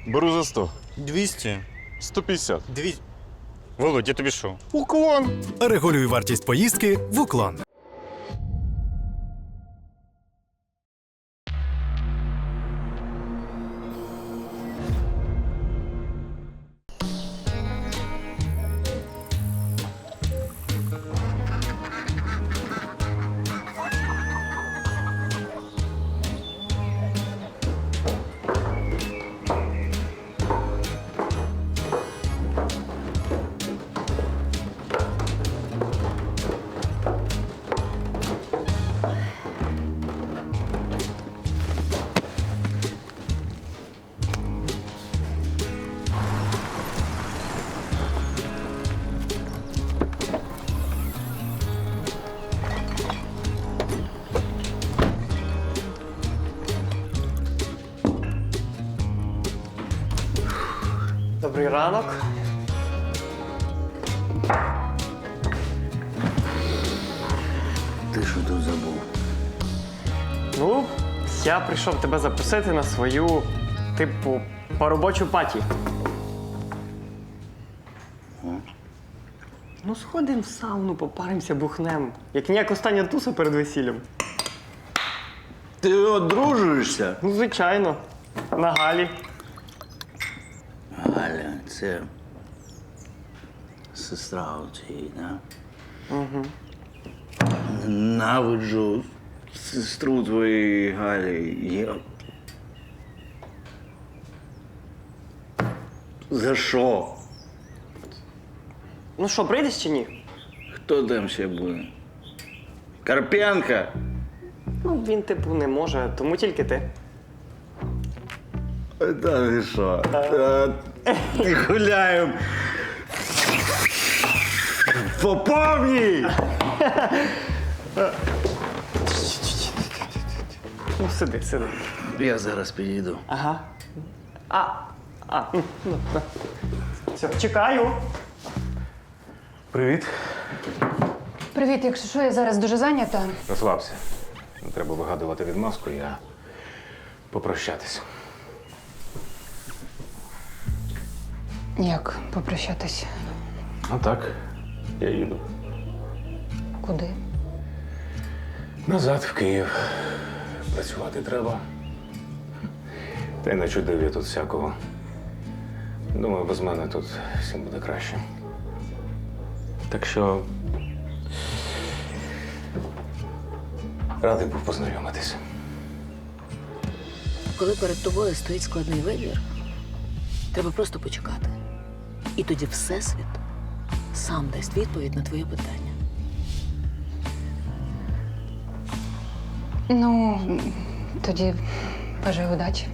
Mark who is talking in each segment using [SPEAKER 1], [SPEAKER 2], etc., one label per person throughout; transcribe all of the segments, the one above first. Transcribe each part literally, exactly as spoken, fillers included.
[SPEAKER 1] Беру за сто.
[SPEAKER 2] двісті.
[SPEAKER 1] сто п'ятдесят.
[SPEAKER 2] Дві... Володь, я тобі що?
[SPEAKER 1] Уклон.
[SPEAKER 3] Регулюй вартість поїздки в Уклон.
[SPEAKER 4] Добрий ранок.
[SPEAKER 5] Ти що тут забув?
[SPEAKER 4] Ну, я прийшов тебе запросити на свою, типу, поробочу паті. Ну, сходимо в сауну, попаримося, бухнем. Як ніяк остання туса перед весіллям.
[SPEAKER 5] Ти одружуєшся?
[SPEAKER 4] Ну, звичайно. На Галі.
[SPEAKER 5] Галя, це сестра у цієї, да? Угу. Ненавиджу сестру твоєї Галі. Я... За що?
[SPEAKER 4] Ну що, прийдеш чи ні?
[SPEAKER 5] Хто там ще буде? Карпенко?
[SPEAKER 4] Ну, він, типу, не може, тому тільки ти.
[SPEAKER 5] Та ти що? Та ти гуляємо. По повній!
[SPEAKER 4] Ну, сиди, сиди.
[SPEAKER 5] Я зараз підійду.
[SPEAKER 4] Ага. А, а, ну, ну, да. Все, чекаю.
[SPEAKER 1] Привіт.
[SPEAKER 6] Привіт, якщо що, я зараз дуже зайнята.
[SPEAKER 1] Розслабся. Не треба вигадувати відмазку, я попрощатись.
[SPEAKER 6] Як попрощатись?
[SPEAKER 1] А так, я їду.
[SPEAKER 6] Куди?
[SPEAKER 1] Назад в Київ. Працювати треба. Та й начудив я тут всякого. Думаю, без мене тут всім буде краще. Так що радий був познайомитися.
[SPEAKER 7] Коли перед тобою стоїть складний вибір, треба просто почекати. І тоді Всесвіт сам дасть відповідь на твоє питання.
[SPEAKER 6] Ну, тоді бажаю удачі.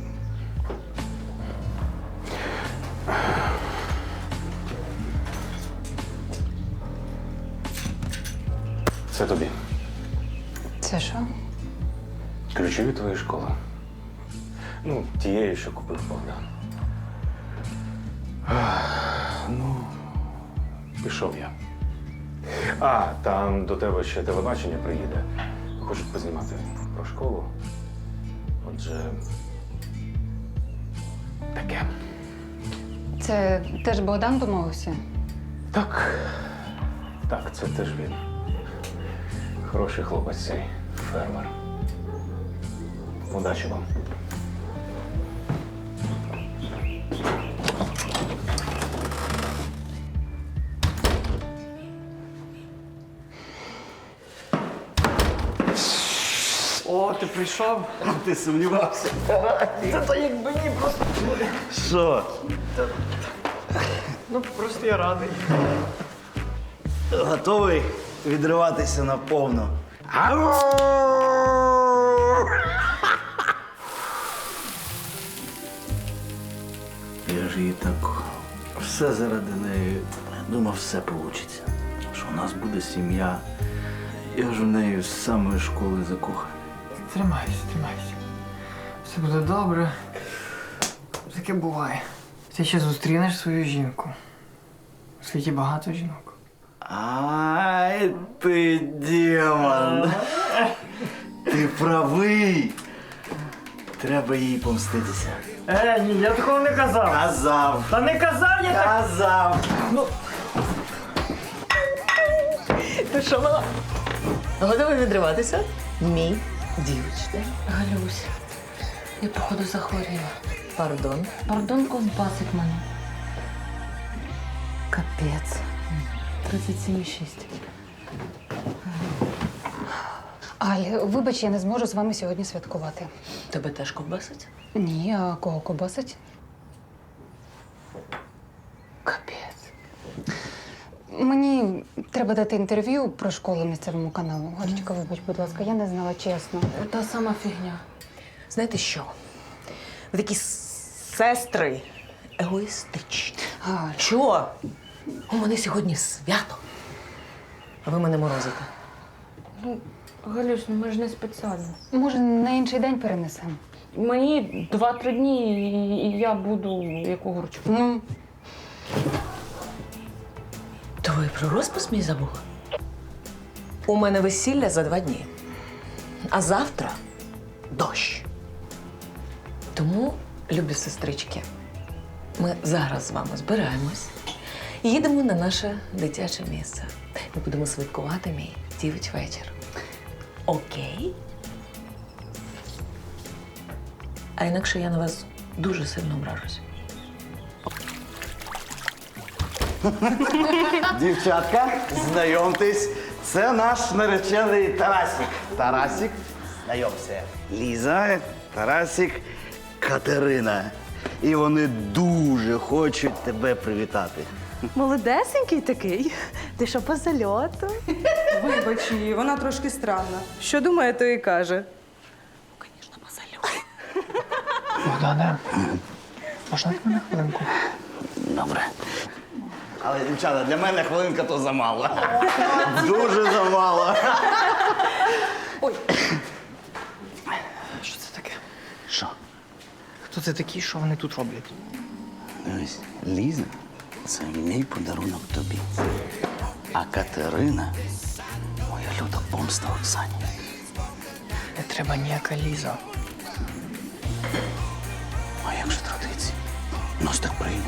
[SPEAKER 1] Це тобі.
[SPEAKER 6] Це що?
[SPEAKER 1] Ключі від твоєї школи. Ну, тієї, що купив Богдан. Ах, Ну, пішов я. А, там до тебе ще телебачення приїде. Хочуть познімати про школу. Отже, таке.
[SPEAKER 6] Це теж Богдан домовився?
[SPEAKER 1] Так. Так, це теж він. Хороший хлопець цей фермер. Удачі вам.
[SPEAKER 4] О, ти прийшов?
[SPEAKER 5] Ти сумнівався?
[SPEAKER 4] Це то якби ні, просто.
[SPEAKER 5] Що?
[SPEAKER 4] Ну, просто я радий.
[SPEAKER 5] Готовий відриватися наповну? Я ж її так все заради неї. Думав, все вийде. Що у нас буде сім'я. Я ж в неї з самої школи закоханий.
[SPEAKER 8] Тримайся, тримайся. Все буде добре. Таке буває. Ти ще зустрінеш свою жінку. У світі багато жінок.
[SPEAKER 5] Ай, ти демон. Ти правий. треба їй помститися.
[SPEAKER 4] Е, ні, я такого не казав.
[SPEAKER 5] Казав!
[SPEAKER 4] Та не казав я так.
[SPEAKER 5] Казав!
[SPEAKER 7] Ти що, мала? Готова відриватися? Мій дівчина.
[SPEAKER 9] Галюсь, я походу захворіла.
[SPEAKER 7] Пардон.
[SPEAKER 9] Пардон, ковбасить мене. Капець. тридцять сім і шість.
[SPEAKER 6] Аль, вибач, я не зможу з вами сьогодні святкувати.
[SPEAKER 7] Тебе теж ковбасить?
[SPEAKER 6] Ні, а кого кобасить?
[SPEAKER 7] Капець.
[SPEAKER 6] Мені треба дати інтерв'ю про школу місцевому каналу. Галечка, вибач, будь ласка, я не знала чесно.
[SPEAKER 9] Та сама фігня.
[SPEAKER 7] Знаєте що? Ви такі сестри егоїстичні.
[SPEAKER 6] Галь,
[SPEAKER 7] Що? У мене сьогодні свято. А ви мене морозите.
[SPEAKER 9] Галюсь, ну ми ж не спеціально.
[SPEAKER 6] може, на інший день перенесемо?
[SPEAKER 9] Мені два-три дні, і- і я буду як огурчик.
[SPEAKER 6] Ну,
[SPEAKER 7] То ви про розпис мій забули? У мене весілля за два дні. А завтра дощ. Тому, любі сестрички, ми зараз з вами збираємось і їдемо на наше дитяче місце. Ми будемо святкувати мій дівич вечір. Окей? А інакше я на вас дуже сильно ображусь.
[SPEAKER 5] Дівчатка, знайомтесь, це наш наречений Тарасик. Тарасик, знайомся. Ліза, Тарасик, Катерина. І вони дуже хочуть тебе привітати.
[SPEAKER 10] Молодесенький такий. Ти що по зальоту?
[SPEAKER 11] Вибач її, вона трошки странна. Що думає, то і каже.
[SPEAKER 7] Звісно, по зальоту.
[SPEAKER 8] Богдане, можна від мене хвилинку?
[SPEAKER 5] Добре. Але, дівчата, для мене хвилинка то замало. Дуже замало.
[SPEAKER 8] Що це таке?
[SPEAKER 5] Що?
[SPEAKER 8] Хто це такі, що вони тут роблять?
[SPEAKER 5] Дивись, Ліза – це мій подарунок тобі. А Катерина – моя люта помста Оксані.
[SPEAKER 8] Не треба ніяка Ліза.
[SPEAKER 5] А як же традиції? Нас так прийнято.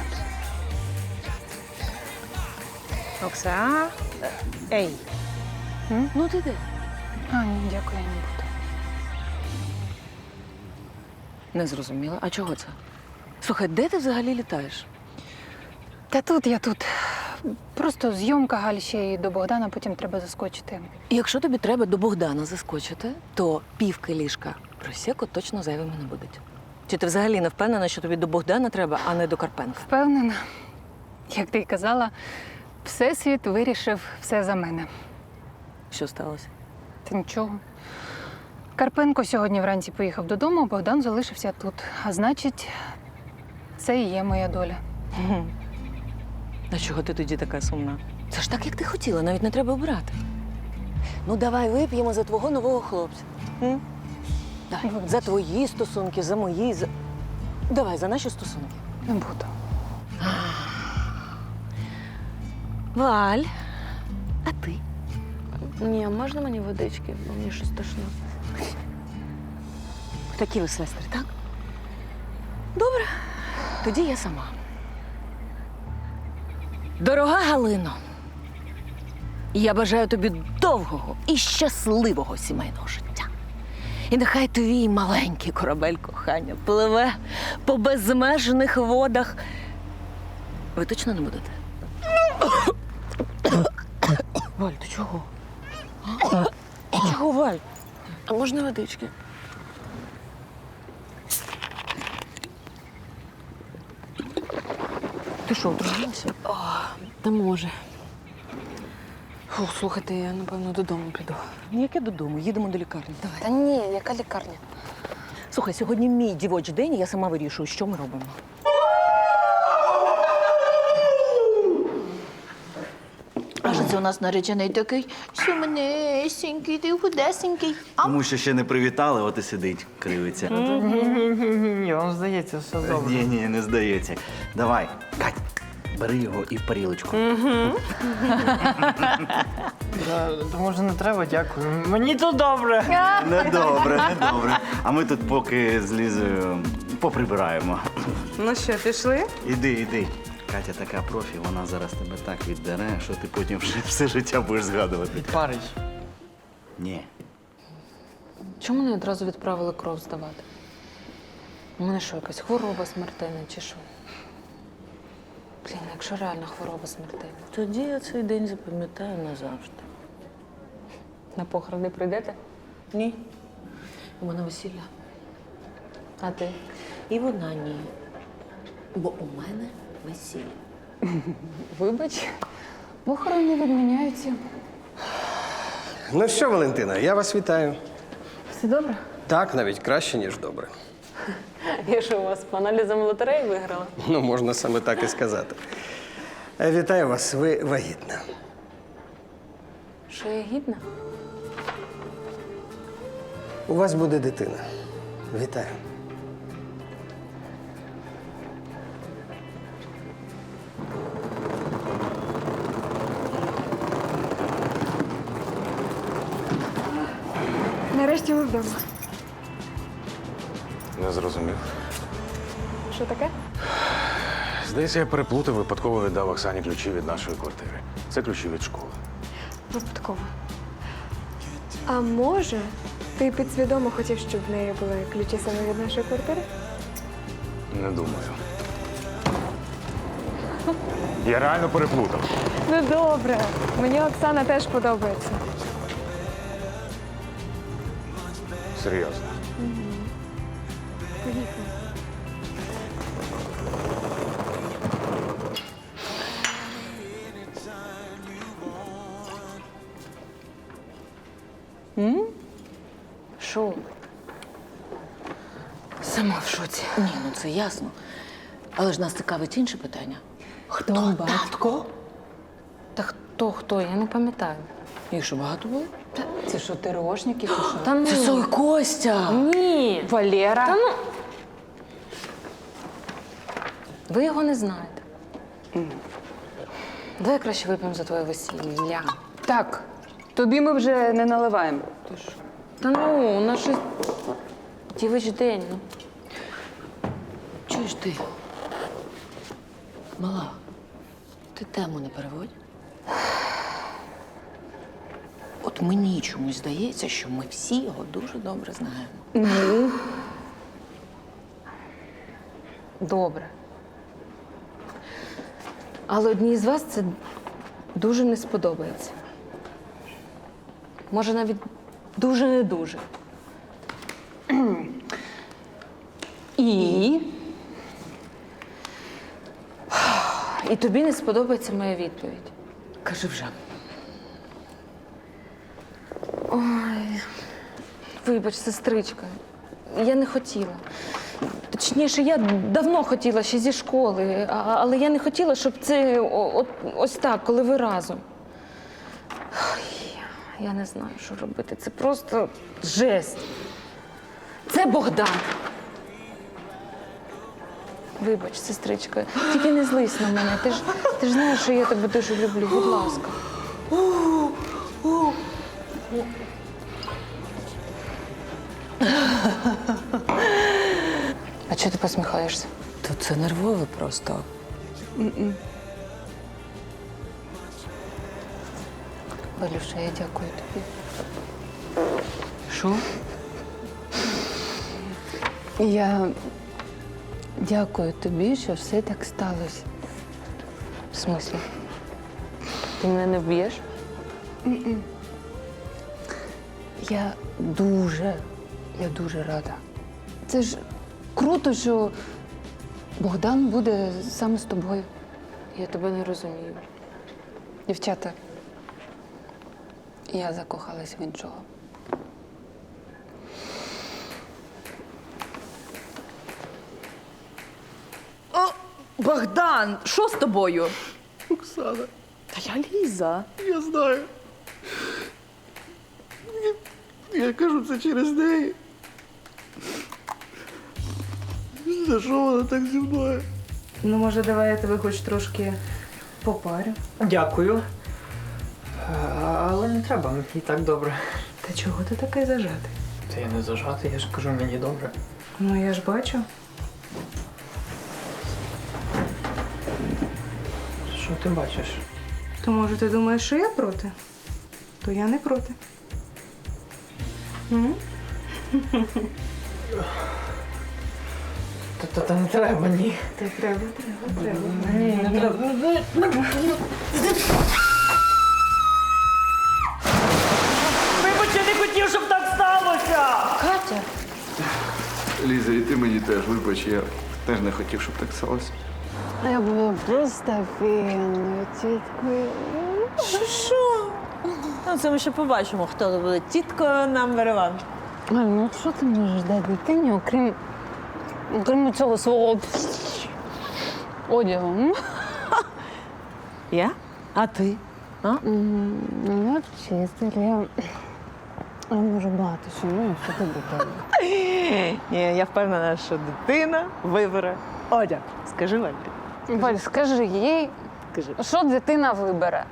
[SPEAKER 10] Окса. Ей.
[SPEAKER 7] Ну ти де?
[SPEAKER 6] а, ні, дякую, я не буду.
[SPEAKER 7] Не зрозуміла. А чого це? Слухай, де ти взагалі літаєш?
[SPEAKER 6] Та тут я тут. Просто зйомка, Галь, ще й до Богдана, потім треба заскочити.
[SPEAKER 7] І якщо тобі треба до Богдана заскочити, то півки ліжка просеку точно зайвими не будуть. Чи ти взагалі не впевнена, що тобі до Богдана треба, а не до Карпенка?
[SPEAKER 6] Впевнена, як ти й казала, Всесвіт вирішив все за мене.
[SPEAKER 7] Що сталося?
[SPEAKER 6] Та нічого. Карпенко сьогодні вранці поїхав додому, а Богдан залишився тут. А значить, це і є моя доля.
[SPEAKER 7] А чого ти тоді така сумна? Це ж так, як ти хотіла, навіть не треба обирати. Ну, давай вип'ємо за твого нового хлопця. М? Давай.
[SPEAKER 6] Вибач.
[SPEAKER 7] За твої стосунки, за мої. За... Давай, за наші стосунки.
[SPEAKER 6] Не буду.
[SPEAKER 7] Валь, а ти?
[SPEAKER 9] Ні, можна мені водички, бо мені щось тошно.
[SPEAKER 7] Такі ви сестри, так? Добре, тоді я сама. Дорога Галино, я бажаю тобі довгого і щасливого сімейного життя. І нехай твій маленький корабель кохання пливе по безмежних водах. Ви точно не будете? Валь, ти чого? А? Чого, Валь?
[SPEAKER 9] А можна водички?
[SPEAKER 7] Ти що, отруїлася?
[SPEAKER 9] Та може. Фух, слухайте, я, напевно, додому піду.
[SPEAKER 7] Ніяке додому, їдемо до лікарні. Давай.
[SPEAKER 9] Та ні, яка лікарня?
[SPEAKER 7] Слухай, сьогодні мій дівочий день, і я сама вирішую, що ми робимо.
[SPEAKER 10] А що це у нас наречений такий сумнесенький, ти худесенький.
[SPEAKER 5] Тому що ще не привітали, от і сидить, кривиться.
[SPEAKER 8] Ні-ні-ні, вам здається, все добре.
[SPEAKER 5] Ні, ні, не здається. Давай, Кать, бери його і в парілочку.
[SPEAKER 8] Да, то може не треба, дякую. Мені тут добре.
[SPEAKER 5] Недобре, недобре. А ми тут поки з Лізою поприбираємо.
[SPEAKER 11] Ну що, пішли?
[SPEAKER 5] Іди, іди. Катя така профі, вона зараз тебе так віддере, що ти потім вже все життя будеш згадувати.
[SPEAKER 8] Відпарить.
[SPEAKER 5] Ні.
[SPEAKER 9] Чому не одразу відправили кров здавати? У мене що, якась хвороба смертельна чи що? Блін, якщо реально хвороба смертельна.
[SPEAKER 7] Тоді я цей день запам'ятаю назавжди.
[SPEAKER 9] На похорони прийдете?
[SPEAKER 7] Ні. У мене весілля.
[SPEAKER 9] А ти?
[SPEAKER 7] І вона ні. Бо у мене весілля.
[SPEAKER 6] Вибач, похорони відміняються.
[SPEAKER 12] Ну що, Валентина, я вас вітаю.
[SPEAKER 9] Все добре?
[SPEAKER 12] Так, навіть краще, ніж добре.
[SPEAKER 9] Я що, у вас по аналізам лотереї виграла?
[SPEAKER 12] Ну, можна саме так і сказати. Е, Вітаю вас, ви вагітна.
[SPEAKER 9] Що я гідна?
[SPEAKER 12] У вас буде дитина. Вітаю.
[SPEAKER 9] Нарешті ми вдома.
[SPEAKER 1] Не зрозумів.
[SPEAKER 9] Що таке?
[SPEAKER 1] Здається, я переплутав, випадково віддав Оксані ключі від нашої квартири. Це ключі від школи.
[SPEAKER 13] Випадково. А може, ти підсвідомо хотів, щоб в неї були ключі саме від нашої квартири?
[SPEAKER 1] Не думаю. Я реально переплутав.
[SPEAKER 13] Ну добре. Мені Оксана теж подобається.
[SPEAKER 1] Серйозно.
[SPEAKER 13] Поїхали.
[SPEAKER 9] Що? Сама в шоці.
[SPEAKER 7] Ні, ну це ясно. Але ж нас цікавить інше питання.
[SPEAKER 9] Хто батько? Та хто, хто? Я не пам'ятаю.
[SPEAKER 7] Їх що, багато було?
[SPEAKER 9] Це що, ТРОшники чи що? Та ну.
[SPEAKER 7] Це Сой Костя!
[SPEAKER 9] Ні.
[SPEAKER 6] Валера.
[SPEAKER 9] Та ну. Ви його не знаєте. Давай краще вип'ємо за твоє весілля.
[SPEAKER 6] Так, тобі ми вже не наливаємо.
[SPEAKER 9] Та ну, у нас щось дівич день. Ну.
[SPEAKER 7] Чуєш ти? Мала, ти тему не переводь. От мені чомусь здається, що ми всі його дуже добре знаємо.
[SPEAKER 9] Ну. Добре. Але одній з вас це дуже не сподобається. Може, навіть дуже не дуже. І. І тобі не сподобається моя відповідь.
[SPEAKER 7] Кажи вже.
[SPEAKER 9] Ой, вибач, сестричка. Я не хотіла. Точніше, я давно хотіла ще зі школи, а- але я не хотіла, щоб це о- от, ось так, коли ви разом. Ой, я не знаю, що робити. Це просто жесть. Це Богдан. Вибач, сестричка, тільки не злись на мене. Ти ж, ти ж знаєш, що я тебе дуже люблю. Будь ласка. А чого ти посміхаєшся?
[SPEAKER 7] То це нервове просто.
[SPEAKER 6] Валюша, я дякую тобі.
[SPEAKER 7] Що?
[SPEAKER 6] Я дякую тобі, що все так сталося.
[SPEAKER 9] В смислі? Ти мене не вб'єш?
[SPEAKER 6] Я дуже, я дуже рада. Це ж круто, що Богдан буде саме з тобою.
[SPEAKER 9] Я тебе не розумію.
[SPEAKER 6] Дівчата, я закохалась в іншого.
[SPEAKER 7] О, Богдан, що з тобою?
[SPEAKER 12] Оксана,
[SPEAKER 7] Та я Ліза.
[SPEAKER 12] я знаю. Я кажу це через неї. За що вона так зі мною?
[SPEAKER 11] Ну, може, давай я тебе хоч трошки попарю.
[SPEAKER 8] Дякую. Е, Але не треба, мені і так добре.
[SPEAKER 11] Та чого ти такий зажатий?
[SPEAKER 8] Та я не зажатий, я ж кажу, мені добре.
[SPEAKER 11] Ну, я ж бачу.
[SPEAKER 8] Що ти бачиш?
[SPEAKER 11] То може ти думаєш, що я проти? То я не проти. М?
[SPEAKER 8] Та, та, та не треба, ні.
[SPEAKER 11] Та треба, треба, треба.
[SPEAKER 8] Ні, не треба. Вибач, я не хотів, щоб так сталося!
[SPEAKER 9] Катя,
[SPEAKER 5] Ліза, і ти мені теж вибач, я теж не хотів, щоб так сталося.
[SPEAKER 6] Я була просто офігенною тіткою.
[SPEAKER 7] Що? Ну, це ми ще побачимо, хто буде тіткою number one.
[SPEAKER 6] Галь, ну що ти можеш дати дитині, окрім, окрім цього свого одягу? м?
[SPEAKER 7] Я? А ти? А?
[SPEAKER 6] М, Ну, я вчитель, я, я можу багато чому, що ти дитина.
[SPEAKER 7] Ні, я впевнена, що дитина вибере одяг. Скажи, Валь.
[SPEAKER 6] Валь, скажи їй,
[SPEAKER 7] Скажи.
[SPEAKER 6] що дитина вибере.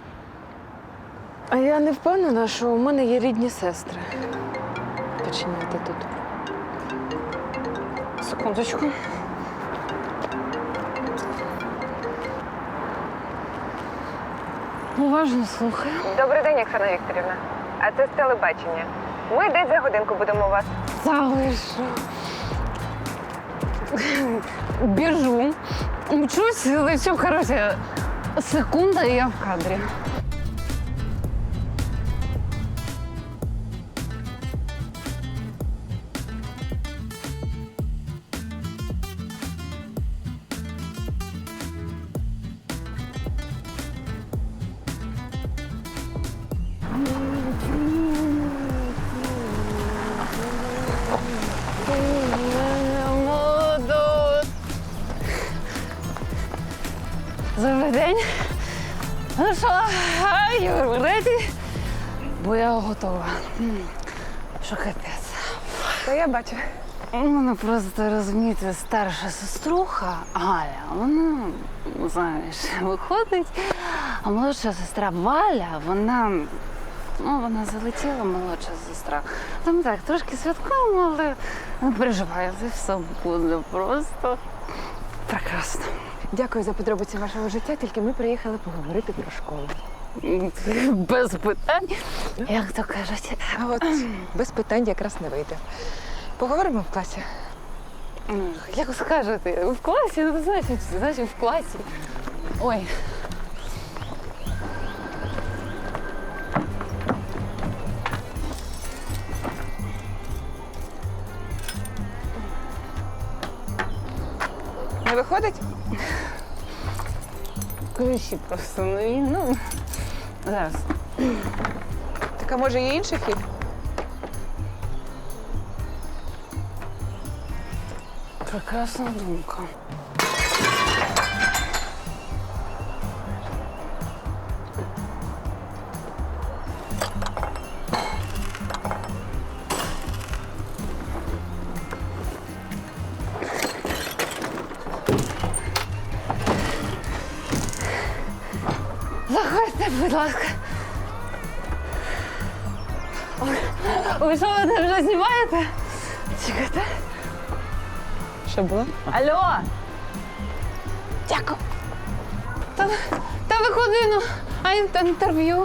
[SPEAKER 9] а я не впевнена, що у мене є рідні сестри. Починяти тут.
[SPEAKER 6] Секундочку. Уважно слухаю.
[SPEAKER 14] Добрий день, Оксана Вікторівна. А це з телебачення. Ми десь за годинку будемо у вас.
[SPEAKER 6] Залишу. Біжу. Мчусь, лечу, коротше, секунда, і я в кадрі. Молодець. Добрий день. Ну що, you ready? Бо я готова. М, Що капець.
[SPEAKER 14] Та я бачу.
[SPEAKER 6] У мене просто, розумієте, старша сеструха Галя, вона, ну, знаєш, виходить, а молодша сестра Валя, вона, ну, вона залетіла, молодша сестра. Там так, трошки святкуємо, але не переживайте, все буде просто прекрасно.
[SPEAKER 14] Дякую за подробиці вашого життя, тільки ми приїхали поговорити про школу.
[SPEAKER 6] Без питань, як то кажуть.
[SPEAKER 14] А от без питань якраз не вийде. Поговоримо в класі.
[SPEAKER 6] Ну, як скажете, в класі, ну, значить, значить, в класі. Ой.
[SPEAKER 14] Не виходить?
[SPEAKER 6] Ключі просто нові, ну, зараз.
[SPEAKER 14] Так, а може є інший хід?
[SPEAKER 6] Прекрасна думка. Заходьте, будь ласка. Ой, ви що, ви вже знімаєте? Чекайте.
[SPEAKER 14] Що було?
[SPEAKER 6] Алло! Дякую. Та, та виходи, ну, а ін- інтерв'ю.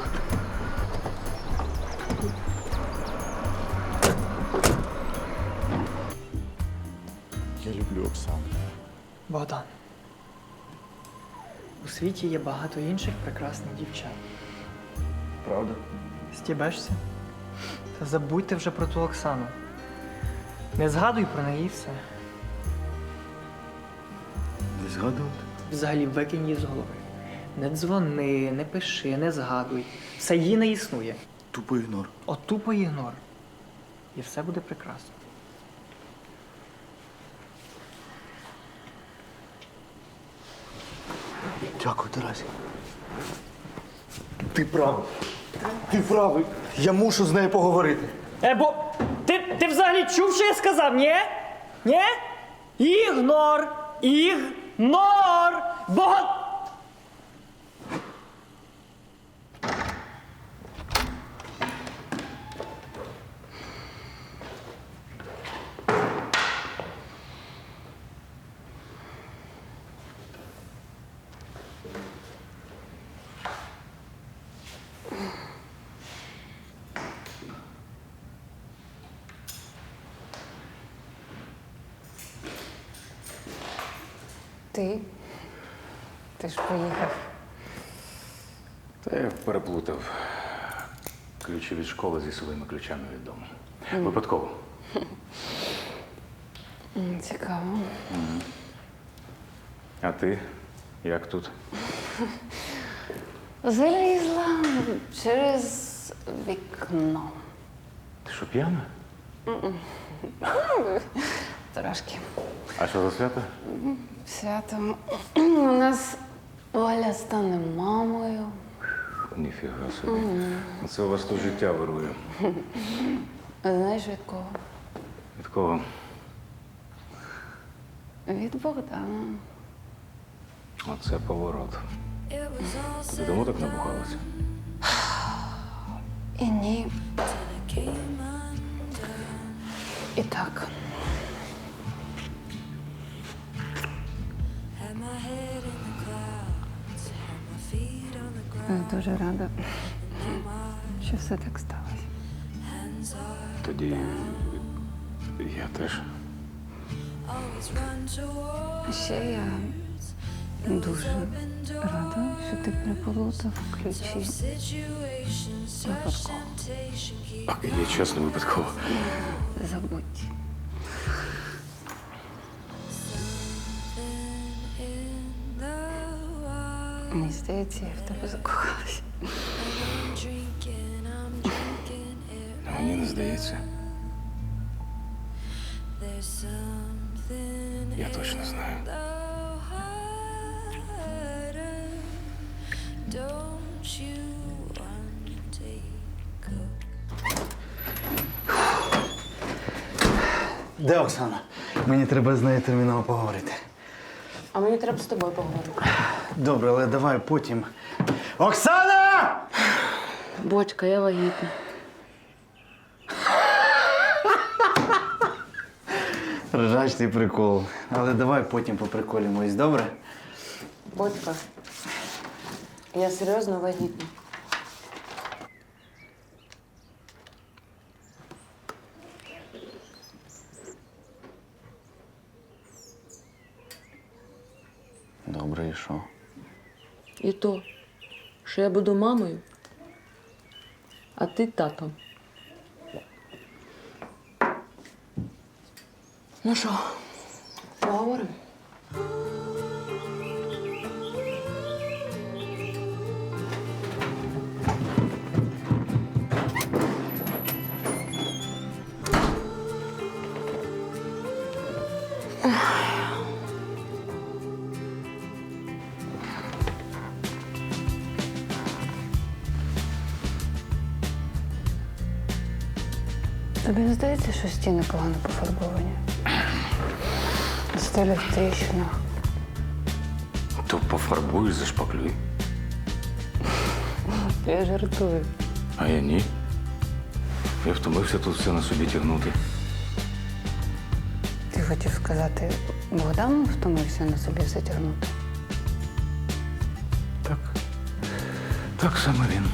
[SPEAKER 2] Я люблю Оксану.
[SPEAKER 8] Богдан. У світі є багато інших прекрасних дівчат.
[SPEAKER 5] Правда?
[SPEAKER 8] Стібешся? Та забудьте вже про ту Оксану. Не згадуй про неї і все.
[SPEAKER 5] Не згадувати?
[SPEAKER 8] Взагалі викинь її з голови. Не дзвони, не пиши, не згадуй. Все її не існує.
[SPEAKER 5] Тупо ігнор.
[SPEAKER 8] От тупо ігнор. І все буде прекрасно.
[SPEAKER 5] Дякую, Тарасі. Ти правий. Ти правий. Я мушу з нею поговорити.
[SPEAKER 8] Е, бо ти, ти взагалі чув, що я сказав, ні? Ні? Ігнор! Ігнор!
[SPEAKER 4] Нор! Богат!
[SPEAKER 6] Ти? Ти ж поїхав.
[SPEAKER 1] Та я переплутав ключі від школи зі своїми ключами від дому. Випадково.
[SPEAKER 6] М, Цікаво.
[SPEAKER 1] А ти? Як тут?
[SPEAKER 6] Залізла через вікно.
[SPEAKER 1] Ти що, п'яна?
[SPEAKER 6] Трошки.
[SPEAKER 1] А що за свято?
[SPEAKER 6] Свято. У нас Валя стане мамою.
[SPEAKER 1] Ніфіга собі. Це у вас тут життя вирує.
[SPEAKER 6] А знаєш від кого?
[SPEAKER 1] Від кого?
[SPEAKER 6] Від Богдана.
[SPEAKER 1] Оце поворот. Ти давно так набухалася?
[SPEAKER 6] І ні. І так. Я дуже рада, що все так сталося.
[SPEAKER 1] Тоді я теж.
[SPEAKER 6] А ще я дуже рада, що ти переплутав ключі. Випадково.
[SPEAKER 1] Я чесно випадково.
[SPEAKER 6] Забудь. Мені здається, я в тебе закохалася.
[SPEAKER 1] Мені не здається. Я точно знаю.
[SPEAKER 5] Де Оксана? Мені треба з нею терміново поговорити.
[SPEAKER 7] А мені треба з тобою поговорити.
[SPEAKER 5] Добре, але давай потім. Оксана!
[SPEAKER 7] Бочка, я вагітна.
[SPEAKER 5] Ржачний прикол. Але давай потім поприколімось, добре?
[SPEAKER 7] Бочка, я серйозно вагітна.
[SPEAKER 5] Добре, і що?
[SPEAKER 7] І то, що я буду мамою, а ти татом. Ну що, поговоримо?
[SPEAKER 6] Тобі не здається, що стіни погано пофарбовані? Стелі в тріщинах.
[SPEAKER 1] То пофарбуй, зашпаклюй.
[SPEAKER 6] Я жартую.
[SPEAKER 1] А я ні. Я втомився тут все на собі тягнути.
[SPEAKER 6] Ти хотів сказати, Богдан втомився на собі все тягнути?
[SPEAKER 1] Так. Так саме він.